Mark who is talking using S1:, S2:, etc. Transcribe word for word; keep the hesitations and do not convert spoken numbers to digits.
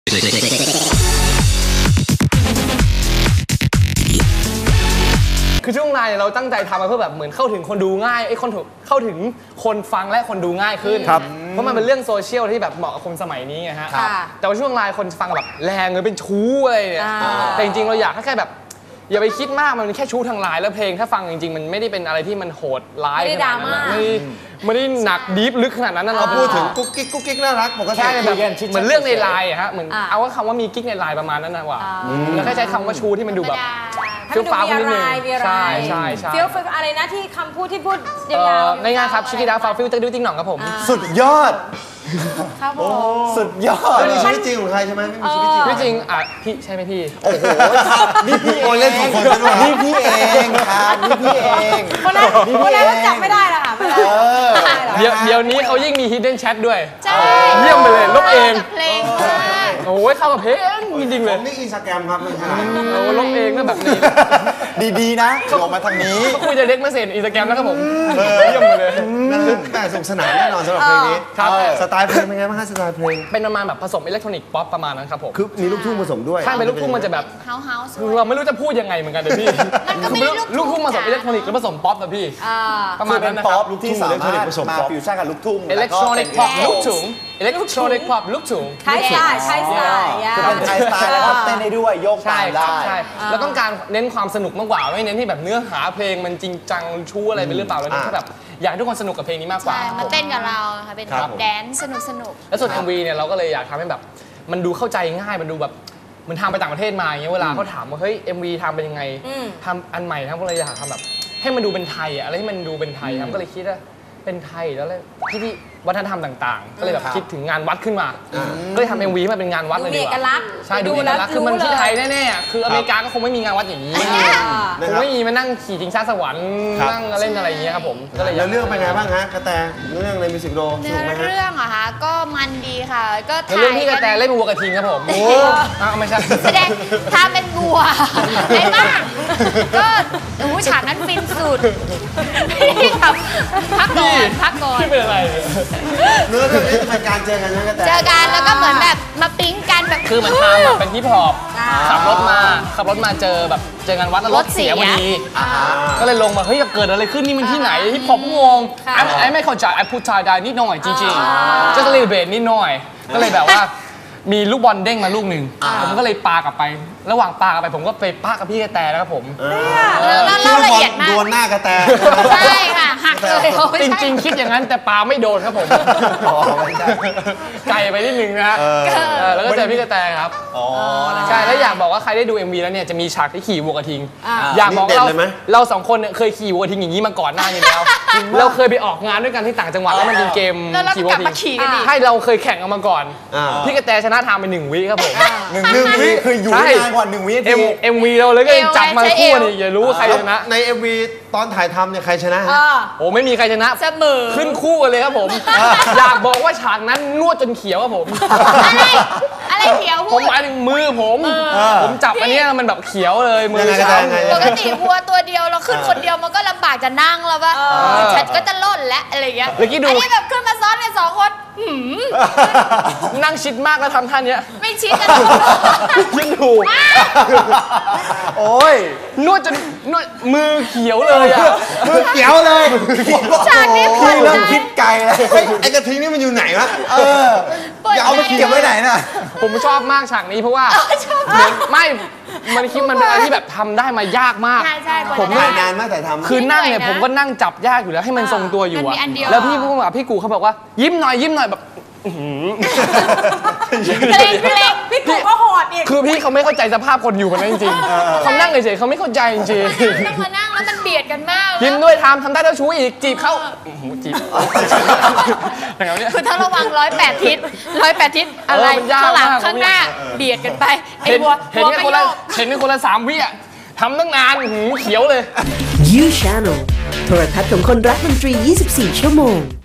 S1: คือช่วงในเราตั้งใจทำมาเพื่อแบบเหมือนเข้าถึงคนดูง่ายไอ้คนเข้าถึงคนฟังและคนดูง่ายขึ้นเพราะมันเป็นเรื่องโซเชียลที่แบบเหมาะกับคนสมัยนี้ไงฮะแต่ว่าช่วงไลน์คนฟังแบบแรงเลยเป็นชู้อะไรเนี่ยแต่จริงๆเราอยากแค่แบบอย่าไปคิดมากมันแค่ชู้ทางไลน์แล้วเพลงถ้าฟังจริงๆมันไม่ได้เป็นอะไรที่มันโหดร้ายขนาดนั้นไม่ไม่ได้หนักดีฟลึกขนาดนั้น
S2: เราพูดถึงกุ๊กกิ๊กกุ๊กกิ๊กน่ารักปกติ
S1: แค่แบบเหมือนเรื่องในไลน์อะฮะเหมือนเอาว่าคำว่ามีกิ๊กในไลน์ประมาณนั้นนะว่าแล้วแค่ใช้คำว่าชู้ที่มันดูแบบเฟี้ยวฟ้าวนิดนึงใช่ใช่ใช่
S3: เฟี้ยวอะไรนะที่คำพูดที่พูดยาวๆ
S1: ง่ายๆครับชิคกี้ดาฟาวฟิลเตอร์ดิวติ้งหน่องครับผม
S2: สุดยอด
S3: ครับผม
S2: สุดยอดไม่มีชีวิตจริงของใครใช่ไหมไม่มีชีวิตจริง
S1: ไม่จริงอ่ะพี่ใช่ไหมพี่
S2: โอ้โหนี่พี่เองเล่นสองคนกันด้วยนี่พี่เองครับนี่พี่เอง
S3: คนนั้นคนนั้นจับไม่ได้ละค่ะ
S1: เดี๋ยวเดี๋ยวนี้เขายิ่งมี hidden chat ด้วยเยี่ยมไปเลยลบเอง
S4: เพลง
S1: โอ้ยเข้ากับเพลงจริงๆเลย
S2: นี่อินสตาแกรมครับไม่ใช่
S1: โอ้ลบเองก็แบบนี้
S2: ดีๆนะลงมาทางนี้
S1: ก็คุยจะเด็กมาเสร็จอินสตาแกรมแล้วครับผมเยี่ยมไปเลย
S2: แต่สนุกสนานแน่นอนสำหรับเพลงนี้สไตล์เพลงเป็นไงบ้างฮะสไตล์เพลง
S1: เป็นประมาณแบบผสมอิเล็กทรอนิกส์ป๊อปประมาณนั้นครับผม
S2: คือมีลูกทุ่งผสมด้วย
S1: ใช่เป็นลูกทุ่งมันจะแบบ
S4: เฮาเฮาส์
S1: เราไม่รู้จะพูดยังไงเหมือนกันเลยพี่ลูกทุ่งผสมอิเล็กทรอนิกส์แล้วผสมป๊อปนะพี่
S2: ประมาณนั้นนะครับลูกทุ่งสามารถมาฟิวชั่นกับลูกทุ่ง
S1: อิเล็กทรอนิกส์ป๊อปลูกทุ่งอิเล็กทรอนิกส์ป๊อปลูกทุ่ง
S3: ไทยสไตล์ไทยสไตล์
S2: คือเป็นไทยสไตล์แล้วก็เต้นได้ด้วยโยกตามได้
S1: ใช่แล้วต้องการเน้นความสนุกมากกว่าไม่เน้นที่แบบเนื้อหาเพลงมันจริงจังชู้อะไรไปหรือเปล่าแล้วแค่แบบอยากให้ทุกคนสนุกกับเพลงนี้มากกว่า
S4: มาเต้นกับเราค่ะเป็นแดนซ์สนุกสนุก
S1: แล้วส่วน เอ็ม วี เนี่ยเราก็เลยอยากทำให้แบบมันดูเข้าใจง่ายมันดูแบบเหมือนทำไปต่างประเทศมาอย่างเงี้ยเวลาเขาถามว่าเฮ้ย เอ็ม วี ทำเป็นยังไงทำอันใหม่ทำก็เลยอยากทำแบบให้มันดูเป็นไทยอะอะไรที่มันดูเป็นไทยครับก็เลยคิดว่าเป็นไทยแล้วเลยที่ที่วัฒนธรรมต่างๆก็เลยแบบคิดถึงงานวัดขึ้นมาก็เลยทำ เอ็ม วี มาเป็นงานวัดเลยดีกว่าใช่ดูเอกลักษณ์คือมันที่ไทยแน่ๆคืออเมริกาก็คงไม่มีงานวัดอย่างนี้คงไม่มีมานั่งขี่จิงช้าสวรรค์นั่งเล่นอะไรอย่างเงี้ยครับผมก็เลย
S2: แล้วเรื่องเป็นไงบ้างฮะกระแตเรื่องในมิวสิกวิดีโอ
S4: เนื้อเรื่องอะคะก็มันดีค่ะก็ถ่าย
S1: เรื่องที่กระแตเล่นวัวกระทิงครับผมโอ้ไม่ใช่
S4: แสดงทำเป็นวัวไอ้บ้าก็โอ้ฉากนั้นฟินสุดครับพักก่อนพักก่อน
S1: ที่เป็นอะไร
S2: เนื้อเรื่องนี้เป็นการเจอกันนะกระแต
S4: เจอกันแล้วก็เหมือนแบบมาปิ๊งกันแบบ
S1: คือมันทำแบบเป็นฮิปฮอปขับรถมาขับรถมาเจอแบบเจองานวัดแล้วรถเสียพอดีก็เลยลงมาเฮ้ยเกิดอะไรขึ้นนี่มันที่ไหนฮิปฮอปงงไอ้ไม่เข้าใจไอ้พูดไทยได้นิดหน่อยจริงๆจะเลยเบสนิดหน่อยก็เลยแบบว่ามีลูกบอลเด้งมาลูกหนึ่งผมก็เลยปากลับไประหว่างปากลับไปผมก็ไปปากับพี่กระแตนะครับผม
S4: แล้วเล่าละเอียดมาก
S2: โดนหน้ากระแต
S4: ใช่ค่ะหักเลย
S1: จริงๆคิดอย่างนั้นแต่ปาไม่โดนครับผมไกลไปนิดนึงนะฮะแล้วก็เจอพี่กระแตครับใช่แล้วอยากบอกว่าใครได้ดู เอ็ม วี แล้วเนี่ยจะมีฉากที่ขี่วัวกระทิงอยากบอกเราเราสองคนเคยขี่วัวกระทิงอย่างนี้มาก่อนหน้านี้แล้วเราเคยไปออกงานด้วยกันที่ต่างจังหวัดแล้วมันเป็นเกมขี่วัวกระทิงให้เราเคยแข่งกันมาก่อนพี่กระแตชนะทางไปหนึ่งวิครับผม
S2: หนึ่งวิคืออยู่นานกว่าหนึ่งวิที
S1: เอ็ม วี เราเลยก็จับมาคู่นี่อย่ารู้ว่าใครชนะ
S2: ใน เอ็ม วี ตอนถ่ายทำเนี่ยใครชนะ
S1: โอ้ไม่มีใครชนะ
S4: เสมอ
S1: ขึ้นคู่กันเลยครับผมอยากบอกว่าฉากนั้นนวดจนเขียวครับผม
S4: อะไรอะไรเขียว
S1: ผมหมายถึงมือผมผมจับอันนี้มันแบบเขียวเลยมือช้
S4: ำปกติวัวตัวเดียวเราขึ้นคนเดียวมันก็ลำบากจะนั่งแล้วป่ะฉันก็จะล่นและอะไรอย่างเงี้ยอันนี้แบบขึ้นมาซ้อนกันสองคน
S1: นั่งชิดมากแล้วทำท่านี้
S4: ไม่ชิดกัน
S1: ยิ่งถูก
S2: โอ้ย
S1: นวดจนนวดมือเขียวเลยอ่ะ
S2: มือเขียวเลย
S4: ฉากนี้
S2: พี่เริ่มคิดไกลแล้วไอ้กระทิงนี่มันอยู่ไหนวะเอออย่าเอาไปเก็บไว้ไหนน่ะ
S1: ผมชอบมากฉากนี้เพราะว่าไม่มันคิดมันเป็นอะไรที่แบบทำได้มายากมาก
S2: ผมถ่ายนานมากแต่ทำ
S1: คือนั่งเนี่ยผมก็นั่งจับยากอยู่แล้วให้มันทรงตัวอยู่อะแล้วพี่ผู้กำกับพี่กูเขาบอกว่ายิ้มหน่อยยิ้มหน่อยแบบ
S3: เพลงเพลงพี่กูก็โหดอีก
S1: คือพี่เขาไม่เข้าใจสภาพคนอยู่คนนั้นจริงๆเขานั่งเฉยๆเขาไม่เข้าใจจริง
S4: ๆต้องมานั่งแล้วมันเบียดกันมาก
S1: ยิ้มด้วยทำทำได้แล้วชู้อีกจีบเขาจีบอย่างเงี้ย
S4: คือถ้าระวังร้อยแปดทิศร้อยแปดทิศอะไรข้างหลังข้างหน้าเบียดกันไปไอ้วัว
S1: เห็นแค่คนละเห็นแค่คนละสามวิอ่ะทำตั้งนานหูเขียวเลย
S5: You Channel โทรทัศน์ของคนรักดนตรียี่สิบสี่ชั่วโมง